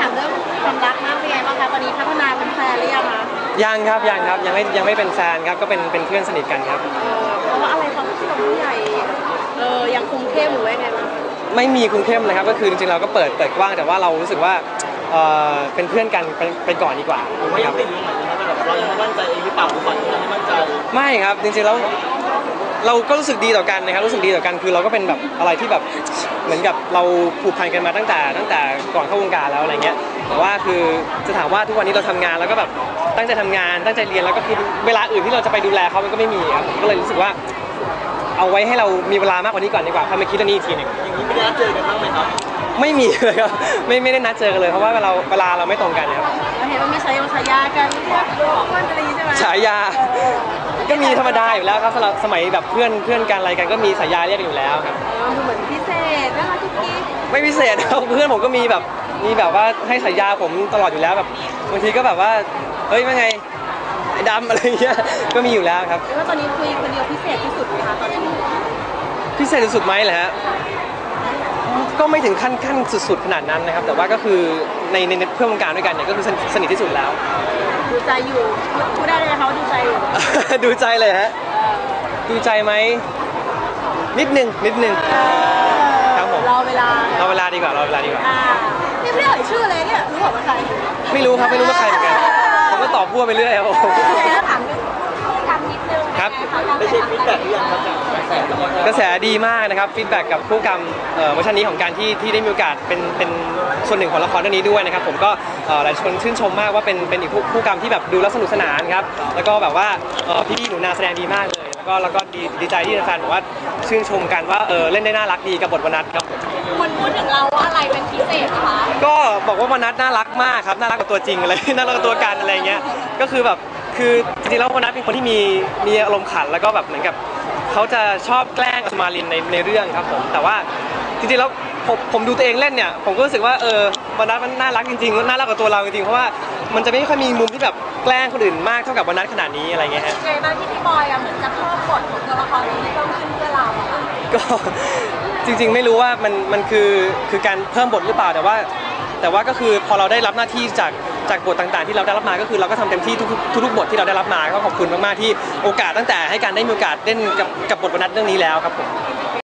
ามเรื่องความรักมากเป็นไงบ้างคะตอนนี้พัฒนาเป็นแฟนหรือยังคะยังไม่เป็นแฟนครับก็เป็นเพื่อนสนิทกันครับเพราะว่าอะไรความที่เราผู้ใหญ่ยังคุมเข้มหรือว่าไงบ้างไม่มีคุมเข้มเลยครับก็คือจริงๆเราก็เปิดกว้างแต่ว่าเรารู้สึกว่าเป็นเพื่อนกันไปก่อนดีกว่าไม่ยังไม่รู้เหมือนกันแต่แบบเรายังไม่มั่นใจเองหรือเปล่าหรือก่อนที่เราไม่มั่นใจไม่ครับจริงๆแล้วเราก็รู้สึกดีต่อกันนะครับรู้สึกดีต่อกันคือเราก็เป็นแบบอะไรที่แบบเหมือนกับเราผูกพันกันมาตั้งแต่ก่อนเข้าวงการแล้วอะไรเงี้ยแต่ว่าคือจะถามว่าทุกวันนี้เราทำงานแล้วก็แบบตั้งใจทำงานตั้งใจเรียนแล้วก็คือเวลาอื่นที่เราจะไปดูแลเขามันก็ไม่มีครับก็เลยรู้สึกว่าเอาไว้ให้เรามีเวลามากกว่านี้ก่อนดีกว่าค่อยมาคิดเรื่องนี้อีกทีหนึ่งอย่างนี้ไม่ได้นัดเจอกันบ้างไหมครับไม่มีเลยครับไม่ได้นัดเจอกันเลยเพราะว่าเวลาเราไม่ตรงกันครับเราเห็นว่ามีฉายากันเรียกอ้วนอะไรใช่ไหมฉายาก็มีธรรมดาอยู่แล้วครับสมัยแบบเพื่อนกันอะไรกันก็มีฉายาเรียกกันอยู่แล้วครับเหมือนพิเศษนะคะทุกทีไม่พิเศษครับเพื่อนผมก็มีแบบว่าให้ฉายาผมตลอดอยู่แล้วแบบบางทีก็แบบว่าเฮ้ยว่าไงไอ้ดำอะไรเงี้ยก็มีอยู่แล้วครับว่าตอนนี้คุยคนเดียวพิเศษที่สุดไหมคะตอนนี้พิเศษสุดไหมเหรอฮะก็ไม่ถึงขั้นสุดๆขนาดนั้นนะครับแต่ว่าก็คือในเพื่อนวงการด้วยกันเนี่ยก็คือสนิทที่สุดแล้วดูใจอยู่พูดได้เลยนะคะว่าดูใจอยู่ดูใจเลยฮะดูใจไหมนิดนึงครับผมรอเวลาดีกว่ารอเวลาดีกว่านี่ไม่ได้เอ่ยชื่อเลยเนี่ยรู้ว่าใครไม่รู้ครับไม่รู้ว่าใครเหมือนกันผมก็ตอบพั่วไปเรื่อยครับผมถามทำนิดนึงครับได้เช็คฟีดแบ็กหรือยังครับกระแสดีมากนะครับฟีดแบ็กกับผู้กำกับเวอร์ชันนี้ของการที่ได้มีโอกาสเป็นส่วนหนึ่งของละครเรื่องนี้ด้วยนะครับผมก็หลายคนชื่นชมมากว่าเป็นอีกผู้กำที่แบบดูแล้วสนุกสนานครับแล้วก็แบบว่าพี่หนูนาแสดงดีมากเลยแล้วก็ดีใจที่แฟนบอกว่าชื่นชมกันว่าเล่นได้น่ารักดีกับบทวนัทครับคนพูดถึงเราว่าอะไรเป็นพิเศษคะก็บอกว่าวนัทน่ารักมากครับน่ารักกว่าตัวจริงเลยน่ารักกว่าตัวกันอะไรเงี้ยก็คือแบบคือจริงๆแล้ววนัทเป็นคนที่มีอารมณ์ขันแล้วก็แบบเหมือนกับเขาจะชอบแกล้งสุมาลินในเรื่องครับผมแต่ว่าจริงๆแล้วผมดูตัวเองเล่นเนี่ยผมก็รู้สึกว่าวันนัทมันน่ารักจริงๆน่ารักกว่าตัวเราจริงๆเพราะว่ามันจะไม่ค่อยมีมุมที่แบบแกล้งคนอื่นมากเท่ากับวันนัทขนาดนี้อะไรเงี้ยฮะไงบ้างที่พี่บอยเหมือนจะเพิ่มบทของตัวละครนี้เพิ่มขึ้นเพื่อเราก็จริงๆไม่รู้ว่ามันคือการเพิ่มบทหรือเปล่าแต่ว่าก็คือพอเราได้รับหน้าที่จากบทต่างๆที่เราได้รับมาก็คือเราก็ทำเต็มที่ทุกบทที่เราได้รับมาก็ขอบคุณมากๆที่โอกาสตั้งแต่ให้การได้มีโอกาสเล่นกับบทวนัทเรื่องนี้แล้วครับผม